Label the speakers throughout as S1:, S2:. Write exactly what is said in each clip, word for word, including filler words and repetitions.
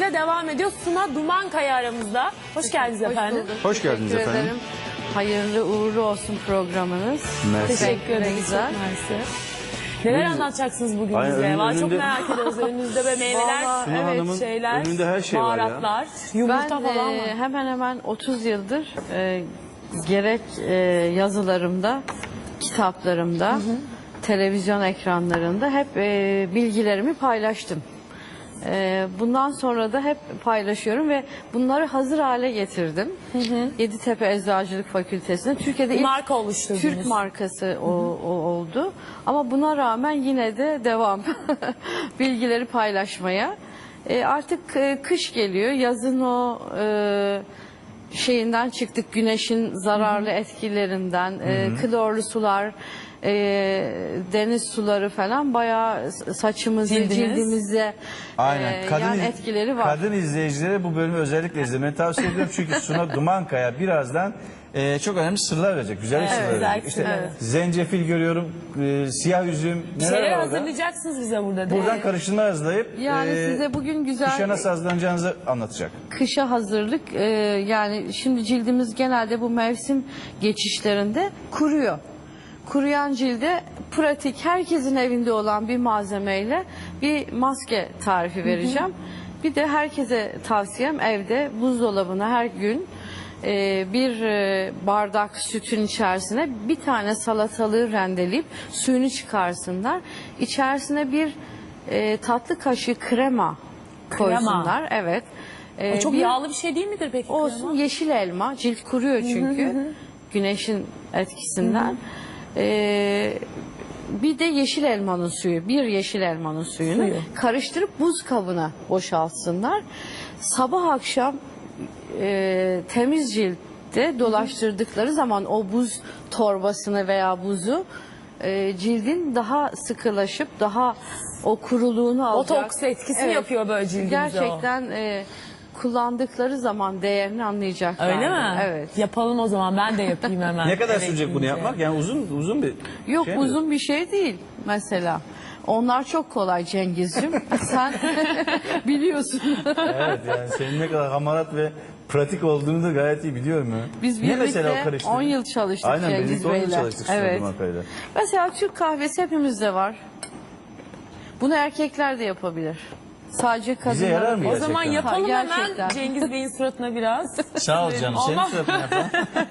S1: sohbetimize devam ediyor. Suna Dumankaya aramızda. Hoş geldiniz
S2: Hoş
S1: efendim.
S2: bulduk.
S3: Hoş geldiniz
S2: Teşekkür
S3: efendim.
S2: ederim. Hayırlı uğurlu olsun programınız.
S3: Mersi.
S1: Teşekkür ederiz.
S2: Güzel.
S1: Çok mersi. Neler
S3: Buyurun.
S1: anlatacaksınız bugün
S3: Aynen,
S1: bize?
S3: önünde-
S1: Vallahi çok
S3: önünde-
S1: merak ediyoruz. Önünüzde böyle meyveler,
S2: Vallahi
S3: Suna Hanım'ın
S1: evet, şeyler,
S3: önünde her şey var ya.
S1: baharatlar, yumurta
S2: Ben
S1: falan
S2: e,
S1: var.
S2: hemen hemen otuz yıldır e, gerek e, yazılarımda, kitaplarımda, televizyon ekranlarında hep e, bilgilerimi paylaştım. E, bundan sonra da hep paylaşıyorum ve bunları hazır hale getirdim. Yeditepe Eczacılık Fakültesi'nde. Türkiye'de
S1: Bir
S2: ilk
S1: marka oluşturdunuz.
S2: Türk markası o, o oldu. Ama buna rağmen yine de devam bilgileri paylaşmaya. E, artık e, kış geliyor. Yazın o e, şeyinden çıktık. Güneşin zararlı etkilerinden, e, klorlu sular, e, deniz suları falan bayağı saçımızı,
S1: Cildiniz.
S2: cildimizde
S3: Aynen.
S2: e,
S3: Kadın,
S2: yan
S3: iz-
S2: etkileri var.
S3: Kadın izleyicilere bu bölümü özellikle izlemeni tavsiye ediyorum. Çünkü Suna Dumankaya birazdan e, çok önemli sırlar verecek. Güzel
S1: Evet,
S3: sırlar
S1: güzel
S3: verecek. İşte
S1: sırlar.
S3: zencefil görüyorum, e, siyah üzüm,
S1: Bir
S3: neler
S1: şeyler
S3: var orada?
S1: hazırlayacaksınız bize burada. değil
S3: Buradan
S1: mi?
S3: karıştırma hazırlayıp
S2: Yani
S3: e,
S2: size bugün güzel
S3: kışa nasıl hazırlanacağınızı anlatacak.
S2: kışa hazırlık e, yani şimdi cildimiz genelde bu mevsim geçişlerinde kuruyor. Kuruyan cilde pratik herkesin evinde olan bir malzemeyle bir maske tarifi vereceğim. Bir de herkese tavsiyem evde buzdolabına her gün e, bir e, bardak sütün içerisine bir tane salatalığı rendeleyip suyunu çıkarsınlar. İçerisine bir e, tatlı kaşığı krema koysunlar. Evet. E,
S1: O çok
S2: bir-
S1: yağlı bir şey değil midir peki?
S2: Olsun,
S1: krema?
S2: yeşil elma. Cilt kuruyor çünkü. Güneşin etkisinden. Ee, bir de yeşil elmanın suyu. Bir yeşil elmanın suyunu
S1: Suyu.
S2: karıştırıp buz kabına boşaltsınlar. Sabah akşam e, temiz ciltte dolaştırdıkları zaman o buz torbasını veya buzu e, cildin daha sıkılaşıp daha o kuruluğunu alacak.
S1: Botoks etkisi
S2: Evet.
S1: yapıyor böyle cildimize o.
S2: Gerçekten e, kullandıkları zaman değerini anlayacaklar.
S1: Öyle mi?
S2: Evet.
S1: Yapalım o zaman, ben de yapayım hemen.
S3: Ne kadar
S1: Eve
S3: sürecek bunu
S1: gidince.
S3: yapmak? Yani uzun uzun bir
S2: Yok
S3: şey mi?
S2: uzun bir şey değil mesela. Onlar çok kolay Cengizciğim. Sen biliyorsun.
S3: Evet, yani senin ne kadar hamarat ve pratik olduğunu da gayet iyi biliyorum ya.
S2: Biz
S3: Ne mesela o
S2: birlikte
S3: karıştırma?
S2: on yıl çalıştık
S3: Aynen,
S2: Cengiz
S3: birlikte on yıl
S2: Bey'le.
S3: çalıştık Suna
S2: Evet.
S3: Dumankaya'yla.
S2: Mesela Türk kahvesi hepimizde var. Bunu erkekler de yapabilir. Sadece kadınlar.
S3: Bize yarar mı
S1: O
S3: gerçekten?
S1: zaman yapalım
S2: Ha,
S1: hemen
S2: gerçekten.
S1: Cengiz Bey'in suratına biraz.
S3: Sağ ol canım. Senin
S1: Olmaz.
S3: suratını yapalım.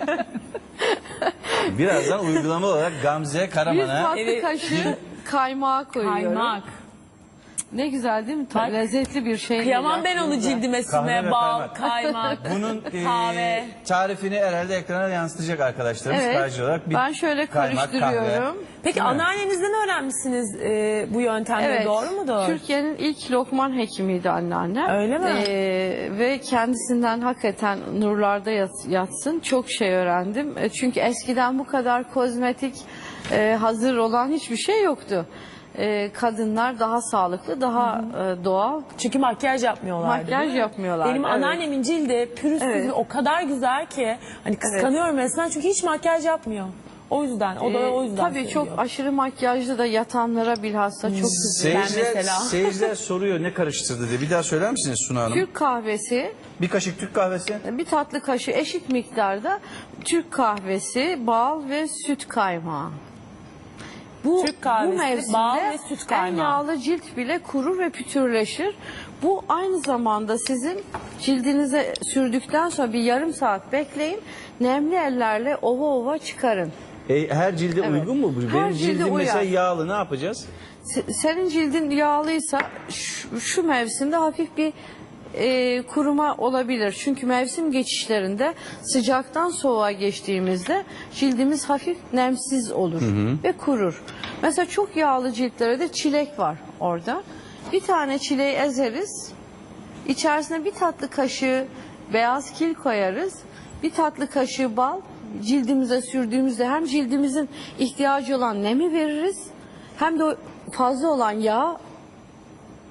S3: Birazdan uygulama olarak Gamze
S2: Bir
S3: Karaman'a
S2: tatlı
S1: Evet.
S2: kaşığı kaymağı koyuyorum.
S1: Kaymak.
S2: Ne güzel değil mi?
S1: Bak.
S2: Lezzetli bir şey.
S1: Kıyamam ben onu
S2: aklınıza.
S1: cildime
S3: Kahve
S1: sürmeye.
S3: ve
S1: Bal,
S3: kaymak.
S1: kaymak.
S3: bunun e,
S1: Kahve.
S3: tarifini herhalde ekrana yansıtacak arkadaşlarımız.
S2: Evet.
S3: Sadece olarak bir
S2: Ben şöyle
S3: kaymak,
S2: karıştırıyorum.
S3: kahve.
S1: Peki
S3: Değil mi?
S1: anneannenizden öğrenmişsiniz e, bu yöntemleri,
S2: Evet.
S1: doğru mudur?
S2: Türkiye'nin ilk Lokman hekimiydi anneannem.
S1: Öyle mi?
S2: Ee, ve kendisinden hakikaten nurlarda yat- yatsın. Çok şey öğrendim. E, çünkü eskiden bu kadar kozmetik e, hazır olan hiçbir şey yoktu. E, kadınlar daha sağlıklı, daha e, doğal.
S1: Çünkü makyaj yapmıyorlardı.
S2: Makyaj
S1: değil mi?
S2: yapmıyorlardı,
S1: Benim
S2: evet.
S1: anneannemin cildi pürüzsüz
S2: Evet.
S1: ve o kadar güzel ki hani kıskanıyorum resmen çünkü hiç makyaj yapmıyor. O yüzden, o da
S2: Ee,
S1: o yüzden
S2: tabii
S1: söylüyor.
S2: çok aşırı makyajlı da yatanlara bilhassa çok güzel.
S1: Ben
S3: Seyirciler,
S1: mesela.
S3: seyirciler soruyor ne karıştırdı diye. Bir daha söyler misiniz Suna Hanım?
S2: Türk kahvesi,
S3: Bir kaşık Türk kahvesi.
S2: bir tatlı kaşığı eşit miktarda Türk kahvesi, bal ve süt kaymağı. Bu,
S1: Türk kahvesi,
S2: bu mevsimde
S1: bal ve süt
S2: en
S1: kaymağı.
S2: yağlı cilt bile kurur ve pütürleşir. Bu aynı zamanda sizin cildinize sürdükten sonra bir yarım saat bekleyin. Nemli ellerle ova ova çıkarın.
S3: E, her cilde
S2: Evet.
S3: uygun mu bu?
S2: Her
S3: Benim
S2: cilde
S3: cildim
S2: uyar.
S3: mesela yağlı, ne yapacağız?
S2: Se- Senin cildin yağlıysa şu, şu mevsimde hafif bir e, kuruma olabilir. Çünkü mevsim geçişlerinde sıcaktan soğuğa geçtiğimizde cildimiz hafif nemsiz olur ve kurur. Mesela çok yağlı ciltlere de çilek var orada. Bir tane çileği ezeriz. İçerisine bir tatlı kaşığı beyaz kil koyarız. Bir tatlı kaşığı bal cildimize sürdüğümüzde hem cildimizin ihtiyacı olan nemi veririz hem de o fazla olan yağ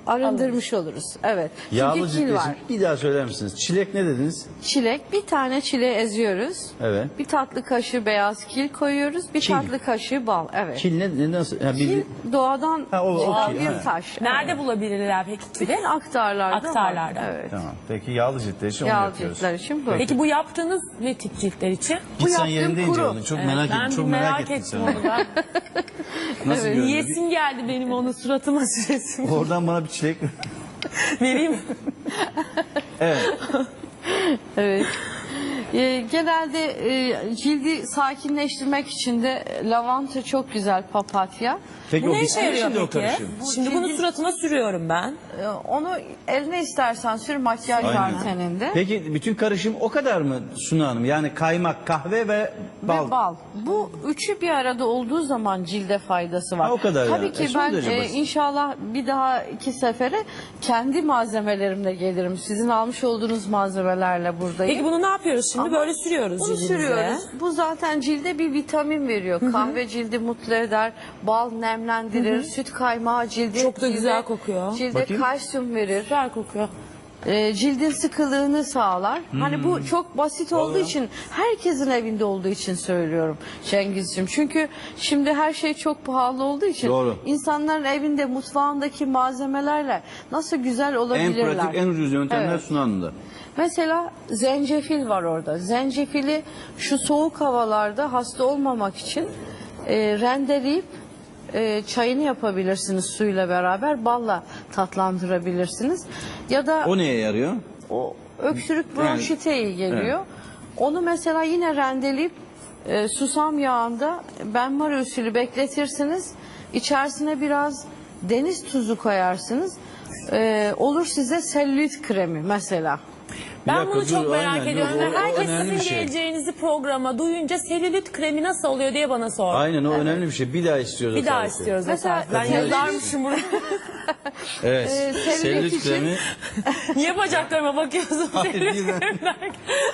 S2: arındırmış oluruz. Evet. Çünkü
S3: Yağlı
S2: kil
S3: ciltler
S2: var.
S3: için bir daha söyler misiniz? Çilek ne dediniz?
S2: Çilek, bir tane çileği eziyoruz.
S3: Evet.
S2: Bir tatlı kaşığı beyaz kil koyuyoruz. Bir
S3: Kil.
S2: tatlı kaşığı bal. Evet.
S3: Kil ne, ne nasıl? Ha, bir,
S2: Kil doğadan
S3: Ha, o- o
S2: çıkan
S3: kil,
S2: bir
S3: ha.
S2: taş.
S1: Nerede
S2: Evet.
S1: bulabilirler peki kili?
S2: Bütün aktarlarda,
S1: Aktarlarda.
S2: var. Evet.
S3: Tamam. Peki yağlı ciltler için onu
S2: Yağlı
S3: yapıyoruz.
S2: ciltler için bu.
S1: Peki bu yaptığınız ne tip ciltler için?
S3: Git sen
S2: yaptığım
S3: yerinde ince
S2: kuru.
S3: onu. Çok
S1: Evet,
S3: merak
S1: ben
S3: ettim.
S1: bir
S3: Çok
S1: merak,
S3: merak, ettim.
S1: ettim
S3: sen.
S1: onu ben.
S3: Nasıl görünüyor?
S1: Yiyesim geldi benim onu suratıma süresim.
S3: Oradan bana bir çilek
S1: Vereyim.
S3: Evet.
S2: Evet. Ee, genelde e, cildi sakinleştirmek için de lavanta çok güzel, papatya.
S3: Peki
S1: Bu
S3: o
S1: ne işe
S3: bitti mi
S1: yarıyor
S3: şimdi o
S1: peki?
S3: karışım?
S1: Şimdi bunu suratıma sürüyorum ben.
S2: Ee, onu eline istersen sür, makyaj var
S3: Aynen.
S2: senin de.
S3: Peki bütün karışım o kadar mı Suna Hanım? Yani kaymak, kahve ve bal.
S2: Ve bal. Bu üçü bir arada olduğu zaman cilde faydası var.
S3: Ha, o kadar
S2: Tabii
S3: yani.
S2: ki
S3: E, son
S2: ben
S3: derece
S2: e,
S3: basit.
S2: inşallah bir daha iki sefere kendi malzemelerimle gelirim. Sizin almış olduğunuz malzemelerle buradayım.
S1: Peki bunu ne yapıyoruz şimdi?
S2: Ama
S1: Böyle sürüyoruz
S2: Bunu
S1: cildimize.
S2: sürüyoruz. Bu zaten cilde bir vitamin veriyor. Kahve cildi mutlu eder, bal nemlendirir, süt kaymağı cildi.
S1: Çok da
S2: cilde-
S1: güzel kokuyor.
S2: Cilde
S3: Bakayım.
S2: kalsiyum verir.
S1: Güzel kokuyor.
S2: Ee, cildin sıkılığını sağlar. Hani bu çok basit olduğu için, herkesin evinde olduğu için söylüyorum Cengizciğim. Çünkü şimdi her şey çok pahalı olduğu için
S3: Doğru.
S2: insanların evinde mutfağındaki malzemelerle nasıl güzel
S3: En
S2: olabilirler.
S3: pratik, en ucuz yöntemler
S2: Evet.
S3: Suna Hanım'da.
S2: Mesela zencefil var orada. Zencefili şu soğuk havalarda hasta olmamak için e, rendeleyip e, çayını yapabilirsiniz suyla beraber, balla tatlandırabilirsiniz. Ya da
S3: O neye yarıyor?
S2: o öksürük bronşite iyi geliyor. Onu mesela yine rendeleyip e, susam yağında benmari usulü bekletirsiniz. İçerisine biraz deniz tuzu koyarsınız. E, olur size selülit kremi mesela.
S1: Ben
S3: dakika,
S1: bunu çok
S3: dur,
S1: merak
S3: aynen,
S1: ediyorum.
S3: yok, o- o
S1: Herkes
S3: önemli
S1: sizin
S3: bir şey.
S1: geleceğinizi programa duyunca selülit kremi nasıl oluyor diye bana sor.
S3: Aynen o önemli bir şey. Bir daha istiyoruz.
S1: Bir
S3: o
S1: daha
S3: tarifi.
S1: istiyoruz
S2: Mesela-
S1: o tarifi. Ben
S2: Selülit-
S1: yazarmışım bunu.
S3: Evet.
S2: Ee, selülit
S3: Selülit
S2: için-
S3: kremi.
S1: Niye bacaklarıma bakıyorsun?
S3: Hayır,
S1: Selülit
S3: değil mi?
S1: kremi derken?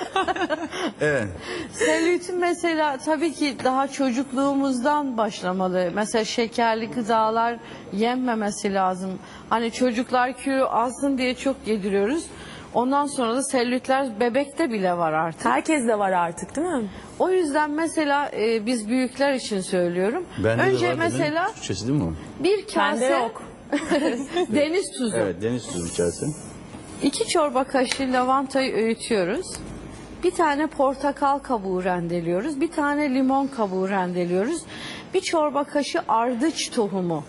S3: Evet.
S2: Selülitin mesela tabii ki daha çocukluğumuzdan başlamalı. Mesela şekerli gıdalar yenmemesi lazım. Hani çocuklar kilo alsın diye çok yediriyoruz. Ondan sonra da selülitler bebekte bile var artık.
S1: Herkes de var artık değil mi?
S2: O yüzden mesela e, biz büyükler için söylüyorum.
S3: Bende
S2: Önce
S3: de var,
S2: mesela
S3: demin. Türkçesi değil mi o?
S2: bir kase
S1: Bende yok.
S2: deniz tuzu.
S3: Evet, deniz tuzu içerisi.
S2: İki çorba kaşığı lavantayı öğütüyoruz. Bir tane portakal kabuğu rendeliyoruz. Bir tane limon kabuğu rendeliyoruz. Bir çorba kaşığı ardıç tohumu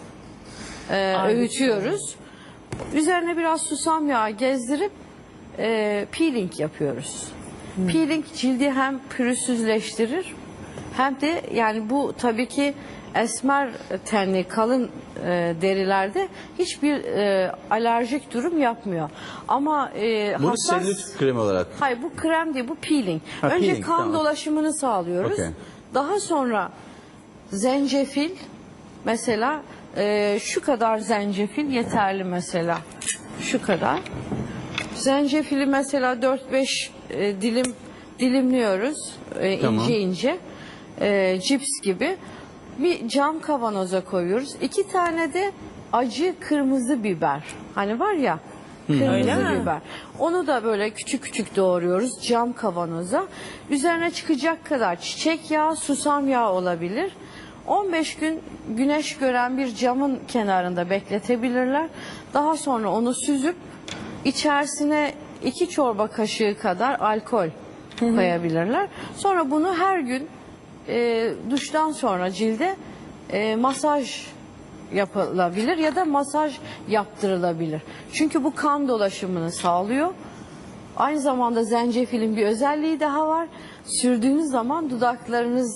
S2: e, öğütüyoruz. Üzerine biraz susam yağı gezdirip e, peeling yapıyoruz. Peeling cildi hem pürüzsüzleştirir hem de yani bu tabii ki esmer tenli kalın e, derilerde hiçbir e, alerjik durum yapmıyor. Ama e,
S3: Bunu
S2: hassas...
S3: selülit kremi olarak.
S2: Hayır bu krem değil, bu peeling.
S3: Ha,
S2: Önce
S3: peeling,
S2: kan
S3: tamam.
S2: dolaşımını sağlıyoruz.
S3: Okey.
S2: Daha sonra zencefil mesela e, şu kadar zencefil yeterli mesela. Şu kadar. Zencefili mesela dört beş e, dilim dilimliyoruz e,
S3: Tamam.
S2: ince ince. E, cips gibi. Bir cam kavanoza koyuyoruz. İki tane de acı kırmızı biber. Hani var ya
S1: Öyle
S2: kırmızı
S1: mi?
S2: biber. Onu da böyle küçük küçük doğruyoruz cam kavanoza. Üzerine çıkacak kadar çiçek yağı, susam yağı olabilir. on beş gün güneş gören bir camın kenarında bekletebilirler. Daha sonra onu süzüp içerisine iki çorba kaşığı kadar alkol koyabilirler. Sonra bunu her gün e, duştan sonra cilde e, masaj yapılabilir ya da masaj yaptırılabilir. Çünkü bu kan dolaşımını sağlıyor. Aynı zamanda zencefilin bir özelliği daha var. Sürdüğünüz zaman dudaklarınız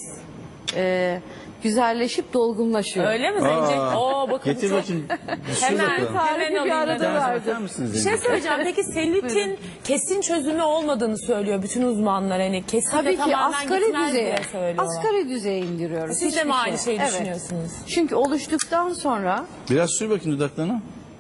S2: e, güzelleşip dolgunlaşıyor.
S1: Öyle mi Zencefil?
S3: Aa,
S1: Oo bakın
S3: Getir
S1: çok...
S3: bakayım. Sür
S1: Hemen
S3: bakalım.
S1: hemen
S2: Tarifi bir
S1: alayım
S2: arada
S1: ben.
S2: var.
S3: Bakar mısınız?
S1: Bir şey söyleyeceğim. Peki selülitin kesin çözümü olmadığını söylüyor bütün uzmanlar. Hani kesin
S2: Tabii
S1: de
S2: ki
S1: tamamen
S2: asgari
S1: gitmez
S2: düzeye,
S1: diye söylüyorlar.
S2: asgari düzeye indiriyoruz.
S1: Siz de
S2: Hiçbir
S1: mi aynı
S2: şey.
S1: şeyi
S2: Evet.
S1: düşünüyorsunuz?
S2: Çünkü oluştuktan sonra
S3: Biraz sür bakayım dudaklarına.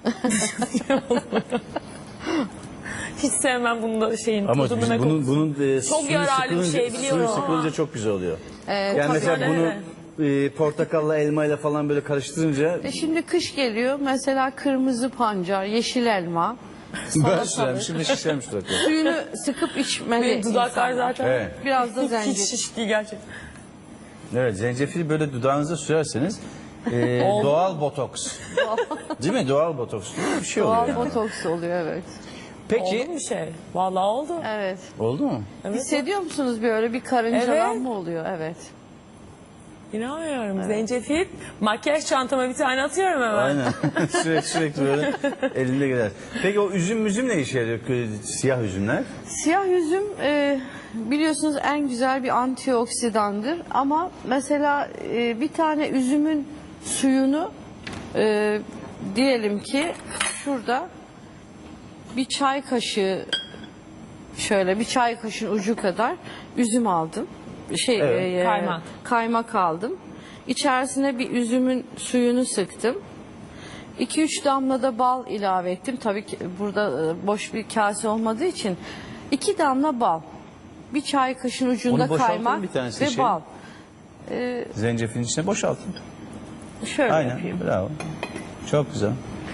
S1: Hiç sevmem bunu da şeyin
S3: Ama
S1: tadını
S3: biz
S1: ve
S3: bunun,
S1: kokusunu.
S3: bunun e,
S1: Çok
S3: suyu
S1: yararlı bir
S3: sıkılınca,
S1: şey biliyorum
S3: suyu sıkılınca
S1: ama.
S3: çok güzel oluyor.
S2: e,
S3: Yani mesela
S1: Öyle
S3: bunu
S1: mi?
S3: e, portakalla elmayla falan böyle karıştırınca
S2: E şimdi kış geliyor. Mesela kırmızı pancar, yeşil elma.
S3: ben sürem şimdi şişermiş dudaklar.
S2: Suyunu sıkıp içmeli.
S1: Benim dudaklar
S2: insanlar.
S1: zaten
S3: Evet.
S2: Biraz da
S1: hiç
S2: zencefil.
S1: şiş değil gerçekten.
S3: Evet, zencefili böyle dudağınıza sürerseniz e, doğal botoks. Değil mi? Doğal botoks diye bir şey oluyor.
S2: Doğal
S3: yani.
S2: botoks oluyor, evet.
S3: Peki
S1: Oldu mu bir şey? Vallahi oldu.
S2: Evet.
S3: oldu mu?
S1: Evet.
S2: Hissediyor musunuz böyle bir karıncalanma oluyor? Evet.
S1: İnanmıyorum. Zencefil. Makyaj çantama bir tane atıyorum hemen.
S3: Aynen. sürekli sürekli böyle elinde gider. Peki o üzüm müzüm ne işe yarıyor? Siyah üzümler.
S2: Siyah üzüm e, biliyorsunuz en güzel bir antioksidandır. Ama mesela e, bir tane üzümün suyunu e, diyelim ki şurada bir çay kaşığı, şöyle bir çay kaşığın ucu kadar üzüm aldım. Şey
S3: Evet.
S2: e,
S1: Kaymak.
S2: kaymak aldım. İçerisine bir üzümün suyunu sıktım. iki üç damla da bal ilave ettim. Tabii ki burada e, boş bir kase olmadığı için iki damla bal. Bir çay kaşığın ucunda
S3: Onu boşaltın
S2: kaymak
S3: bir tanesi
S2: ve
S3: şey.
S2: bal.
S3: Zencefilin içine boşaltın.
S2: Şöyle
S3: Aynen.
S2: yapayım.
S3: Bravo. Çok güzel.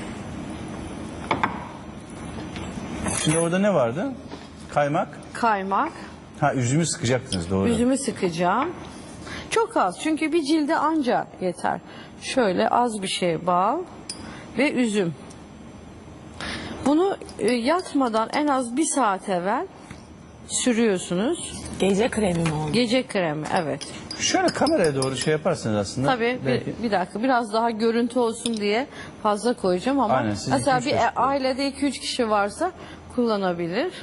S3: Şimdi orada ne vardı? Kaymak.
S2: Kaymak.
S3: Ha üzümü sıkacaktınız doğru.
S2: Üzümü sıkacağım. Çok az çünkü bir cilde anca yeter. Şöyle az bir şey bal ve üzüm. Bunu e, yatmadan en az bir saat evvel sürüyorsunuz.
S1: Gece kremi mi oldu?
S2: Gece kremi, evet.
S3: Şöyle kameraya doğru şey yaparsınız aslında.
S2: Tabii
S3: Belki-
S2: bir, bir dakika biraz daha görüntü olsun diye fazla koyacağım ama
S3: Aynen, siz
S2: mesela
S3: iki
S2: bir
S3: üç yaş
S2: e- ailede iki üç kişi varsa kullanabilir.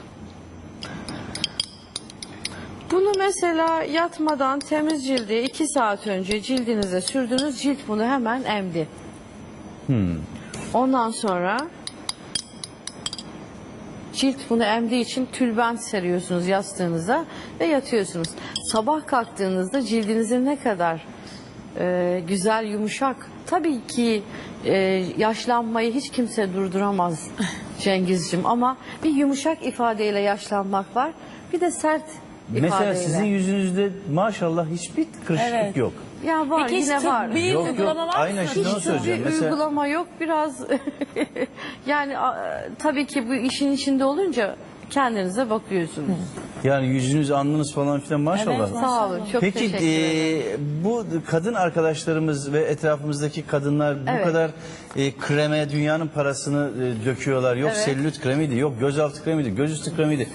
S2: Bunu mesela yatmadan temiz cildi iki saat önce cildinize sürdünüz, cilt bunu hemen emdi.
S3: Hmm.
S2: Ondan sonra cilt bunu emdiği için tülbent seriyorsunuz yastığınıza ve yatıyorsunuz. Sabah kalktığınızda cildinizin ne kadar e, güzel, yumuşak. Tabii ki e, yaşlanmayı hiç kimse durduramaz Cengizciğim ama bir yumuşak ifadeyle yaşlanmak var. Bir de sert ifadeyle.
S3: Mesela sizin yüzünüzde maşallah hiçbir kırışıklık
S1: Evet.
S3: yok.
S2: Ya var,
S1: Peki hiç
S2: yine var.
S1: tıbbi
S3: Yok, yok.
S1: uygulama var mı?
S3: Aynen şimdi onu
S2: Hiç
S3: söyleyeceğim.
S2: bir
S3: Mesela
S2: uygulama yok. Biraz yani a, tabii ki bu işin içinde olunca kendinize bakıyorsunuz.
S3: yani yüzünüz, alnınız falan filan maşallah.
S1: Evet,
S2: Sağ olun. Çok
S3: Peki
S2: teşekkür ederim.
S3: e, bu kadın arkadaşlarımız ve etrafımızdaki kadınlar bu
S2: Evet.
S3: kadar e, kreme dünyanın parasını e, döküyorlar. Yok
S2: Evet.
S3: selülit kremiydi, yok gözaltı kremiydi, gözüstü kremiydi.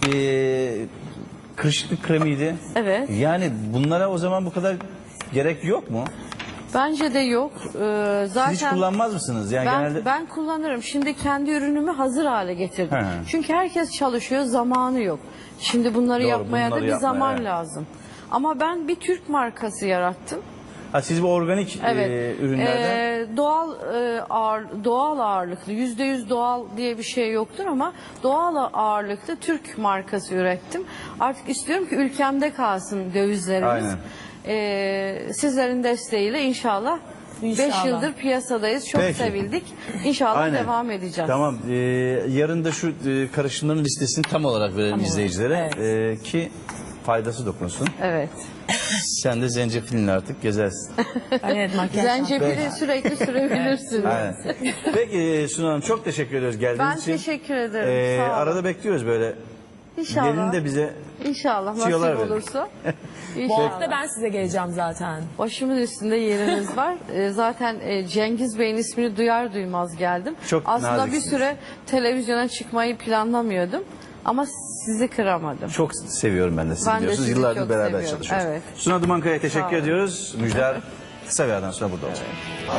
S3: E, kırışıklık kremiydi.
S2: Evet.
S3: Yani bunlara o zaman bu kadar gerek yok mu?
S2: Bence de yok. Ee, zaten
S3: Siz hiç kullanmaz mısınız? Yani
S2: ben,
S3: genelde
S2: ben kullanırım. Şimdi kendi ürünümü hazır hale getirdim.
S3: He.
S2: Çünkü herkes çalışıyor, zamanı yok. Şimdi bunları
S3: Doğru,
S2: yapmaya
S3: bunları
S2: da bir
S3: yapmaya,
S2: zaman
S3: evet.
S2: lazım. Ama ben bir Türk markası yarattım.
S3: ha, siz bu organik
S2: Evet.
S3: e, ürünlerden
S2: Ee, doğal e, ağır, doğal ağırlıklı, yüzde yüz doğal diye bir şey yoktur ama doğal ağırlıklı Türk markası ürettim. Artık istiyorum ki ülkemde kalsın dövizlerimiz.
S3: Aynen.
S2: Ee, sizlerin desteğiyle inşallah beş
S1: İnşallah.
S2: yıldır piyasadayız. Çok
S3: Peki.
S2: sevildik. İnşallah
S3: Aynen.
S2: devam edeceğiz.
S3: Tamam. e, yarın da şu e, karışımların listesini tam olarak verelim izleyicilere e, ki faydası dokunsun.
S2: Evet.
S3: Sen de zencefilini artık gezersin.
S1: Evet, makyaj.
S2: Zencefili sürekli sürebilirsiniz.
S3: Aynen. Peki e, Sunu Hanım çok teşekkür ediyoruz geldiğiniz
S2: Ben
S3: için.
S2: teşekkür ederim.
S3: E,
S2: Sağ olun.
S3: arada bekliyoruz böyle.
S2: İnşallah.
S3: Gelin de bize
S2: İnşallah
S3: tüyolar
S2: nasip
S3: verin.
S2: olursa.
S1: Bu
S2: İnşallah.
S1: hafta ben size geleceğim zaten.
S2: Başımın üstünde yeriniz var. Ee, zaten e, Cengiz Bey'in ismini duyar duymaz geldim.
S3: Çok
S2: Aslında bir
S3: naziksiniz.
S2: süre televizyona çıkmayı planlamıyordum. Ama sizi kıramadım.
S3: çok seviyorum ben de sizi
S2: Ben de
S3: biliyorsunuz.
S2: sizi
S3: Yıllardır
S2: çok
S3: beraber
S2: seviyorum.
S3: çalışıyoruz.
S2: Evet.
S3: Suna Dumankaya teşekkür
S2: Sağ olun.
S3: ediyoruz. Müjder kısa bir aradan sonra burada olacak.